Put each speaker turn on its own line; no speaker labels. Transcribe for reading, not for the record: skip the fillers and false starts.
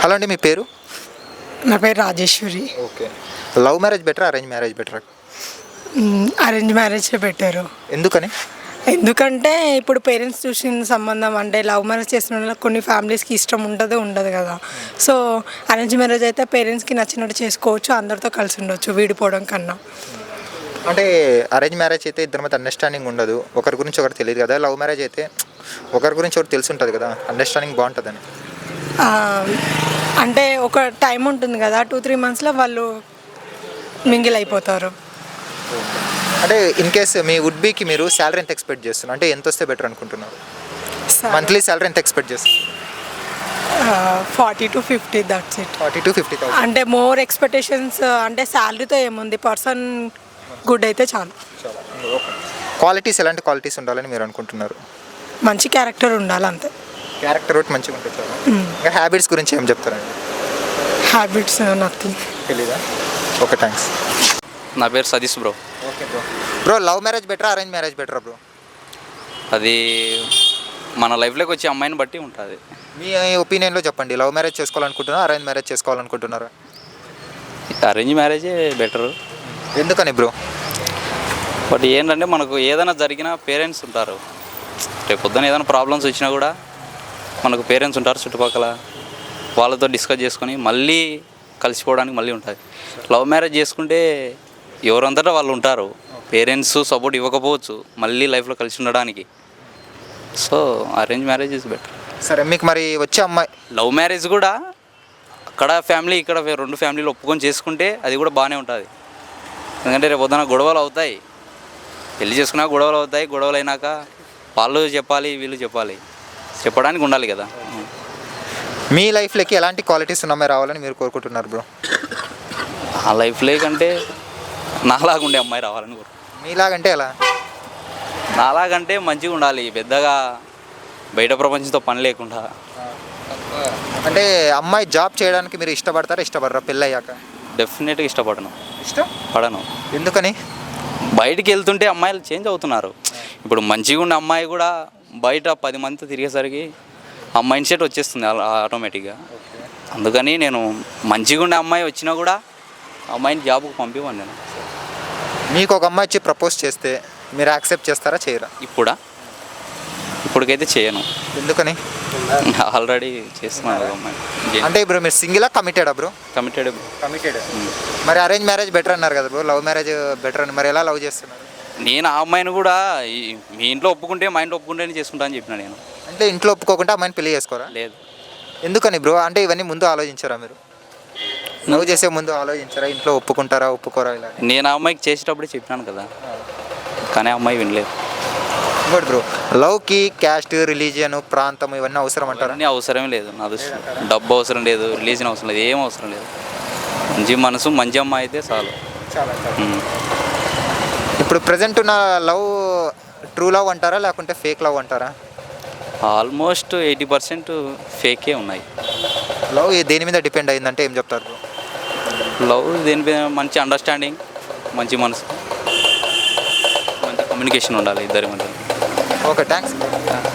Hello అండి, మీ పేరు?
నా పేరు రాజేశ్వరి.
ఓకే. లవ్ మ్యారేజ్ బెటరా, అరేంజ్ మ్యారేజ్ బెటరా?
అరేంజ్ మ్యారేజ్ పెట్టారు.
ఎందుకని?
ఎందుకంటే ఇప్పుడు పేరెంట్స్ చూసిన సంబంధం అంటే లవ్ మ్యారేజ్ చేసిన వాళ్ళకి కొన్ని ఫ్యామిలీస్కి ఇష్టం ఉండదు కదా. సో అరేంజ్ మ్యారేజ్ అయితే పేరెంట్స్కి నచ్చినట్టు చేసుకోవచ్చు, అందరితో కలిసి ఉండొచ్చు విడిపోవడం కన్నా.
అంటే అరేంజ్ మ్యారేజ్ అయితే ఇద్దరి మధ్య అండర్స్టాండింగ్ ఉండదు, ఒకరి గురించి ఒకరు తెలియదు కదా. లవ్ మ్యారేజ్ అయితే ఒకరి గురించి ఒకటి తెలిసి ఉంటుంది కదా, అండర్స్టాండింగ్ బాగుంటుందని.
ఆ, అంటే ఒక టైం ఉంటుంది కదా, 2-3 monthsలో వాళ్ళు మింగిల్ అయిపోతారు.
అంటే ఇన్ కేస్ మీ వుడ్ బీకి మీరు శాలరీ ఎంత ఎక్స్పెక్ట్ చేస్తున్నారు, అంటే ఎంత వస్తే బెటర్ అనుకుంటున్నారు? మంత్లీ శాలరీ ఎంత ఎక్స్పెక్ట్ చేస్తున్నారు?
40 to 50, దట్స్ ఇట్.
40 to 50,000.
అంటే మోర్ ఎక్స్పెక్టేషన్స్ అంటే శాలరీతో ఏముంది, పర్సన్ గుడ్ అయితే చాలు.
క్వాలిటీస్ ఎలాంటి క్వాలిటీస్ ఉండాలని మీరు అనుకుంటున్నారు?
మంచి క్యారెక్టర్ ఉండాలి అంతే.
క్యారెక్టర్ ఒకటి మంచిగా ఉంటుంది చాలు. ఇంకా హ్యాబిట్స్ గురించి ఏం చెప్తారండి?
Habits nothing.
తెలీదా? Okay, thanks.
నా పేరు Satish bro.
Okay bro. Bro, love marriage బెటరా, అరేంజ్ మ్యారేజ్ బెటరా బ్రో?
అది మన లైఫ్లోకి వచ్చే అమ్మాయిని బట్టి ఉంటుంది.
మీ ఒపీనియన్లో చెప్పండి, లవ్ మ్యారేజ్ చేసుకోవాలనుకుంటున్నారా, అరేంజ్ మ్యారేజ్ చేసుకోవాలనుకుంటున్నారా?
అరేంజ్ మ్యారేజే బెటరు.
ఎందుకని బ్రో?
బట్ ఏంటంటే మనకు ఏదైనా జరిగినా పేరెంట్స్ ఉంటారు. రేపు పొద్దున ఏదైనా ప్రాబ్లమ్స్ వచ్చినా కూడా మనకు పేరెంట్స్ ఉంటారు చుట్టుపక్కల, వాళ్ళతో డిస్కస్ చేసుకొని మళ్ళీ కలిసిపోవడానికి మళ్ళీ ఉంటుంది. లవ్ మ్యారేజ్ చేసుకుంటే ఎవరంతటా వాళ్ళు ఉంటారు, పేరెంట్స్ సపోర్ట్ ఇవ్వకపోవచ్చు మళ్ళీ లైఫ్లో కలిసి ఉండడానికి. So arrange marriage is better.
సరే, మీకు మరి వచ్చే అమ్మాయి
లవ్ మ్యారేజ్ కూడా అక్కడ ఫ్యామిలీ ఇక్కడ రెండు ఫ్యామిలీలు ఒప్పుకొని చేసుకుంటే అది కూడా బాగానే ఉంటుంది. ఎందుకంటే రేపు పొద్దున గొడవలు అవుతాయి, పెళ్లి చేసుకున్నా గొడవలు అవుతాయి, గొడవలు అయినాక వాళ్ళు చెప్పాలి వీళ్ళు చెప్పడానికి ఉండాలి కదా.
మీ లైఫ్లోకి ఎలాంటి క్వాలిటీస్ ఉన్న రావాలని మీరు కోరుకుంటున్నారు బ్రో?
ఆ లైఫ్లో కంటే నాలాగా ఉండే అమ్మాయి రావాలని
మీలాగంటే ఎలా?
నాలాగంటే మంచిగా ఉండాలి, పెద్దగా బయట ప్రపంచంతో పని లేకుండా.
అంటే అమ్మాయి జాబ్ చేయడానికి మీరు ఇష్టపడరా పెళ్ళి అయ్యాక?
డెఫినెట్గా ఇష్టపడను.
ఎందుకని?
బయటికి వెళ్తుంటే అమ్మాయిలు చేంజ్ అవుతున్నారు. ఇప్పుడు మంచిగా ఉన్న అమ్మాయి కూడా బయట 10 మందితో తిరిగేసరికి ఆ మైండ్ సెట్ వచ్చేస్తుంది ఆటోమేటిక్గా. అందుకని నేను మంచిగా ఉండే అమ్మాయి వచ్చినా కూడా అమ్మాయిని జాబ్కి పంపివ్వను నేను.
మీకు ఒక అమ్మాయి వచ్చి ప్రపోజ్ చేస్తే మీరు యాక్సెప్ట్ చేస్తారా, చేయరా?
ఇప్పటికైతే చేయను.
ఎందుకని?
ఆల్రెడీ చేస్తున్నాను ఒక అమ్మాయి.
అంటే ఇప్పుడు మీరు సింగిలా కమిటెడా బ్రో?
కమిటెడ్.
మరి అరేంజ్ మ్యారేజ్ బెటర్ అన్నారు కదా బ్రో, లవ్ మ్యారేజ్ బెటర్ అని మరి ఎలా లవ్ చేస్తున్నారు?
నేను ఆ అమ్మాయిని కూడా మీ ఇంట్లో ఒప్పుకుంటే మా ఇంట్లో ఒప్పుకుంటేనే చేసుకుంటా అని చెప్పిన నేను.
అంటే ఇంట్లో ఒప్పుకోకుండా అమ్మాయిని పెళ్లి చేసుకోరా?
లేదు.
ఎందుకని బ్రో? అంటే ఇవన్నీ ముందు ఆలోచించారా మీరు? లవ్ చేసే ముందు ఆలోచించారా, ఇంట్లో ఒప్పుకుంటారా ఒప్పుకోరా ఇలా?
నేను ఆ అమ్మాయికి చేసేటప్పుడే చెప్పినాను కదా, కానీ ఆ అమ్మాయి వినలేదు.
ఇంకోటి బ్రో, లవ్కి క్యాస్ట్, రిలీజియన్, ప్రాంతం ఇవన్నీ అవసరం అంటారా?
అన్నీ అవసరమే లేదు. నా దృష్టిలో డబ్బు అవసరం లేదు, రిలీజన్ అవసరం లేదు, ఏం అవసరం లేదు. మంచి మనసు మంచి అమ్మాయి అయితే చాలు.
ఇప్పుడు ప్రజెంట్ ఉన్న లవ్ ట్రూ లవ్ అంటారా లేకుంటే ఫేక్ లవ్ అంటారా?
ఆల్మోస్ట్ 80% ఫేకే ఉన్నాయి.
లవ్ దేని మీద డిపెండ్ అయిందంటే ఏం చెప్తారు బ్రో?
లవ్ దేని మీద మంచి అండర్స్టాండింగ్, మంచి మనసు, మంచి కమ్యూనికేషన్ ఉండాలి ఇద్దరి మధ్య.
Okay, thanks.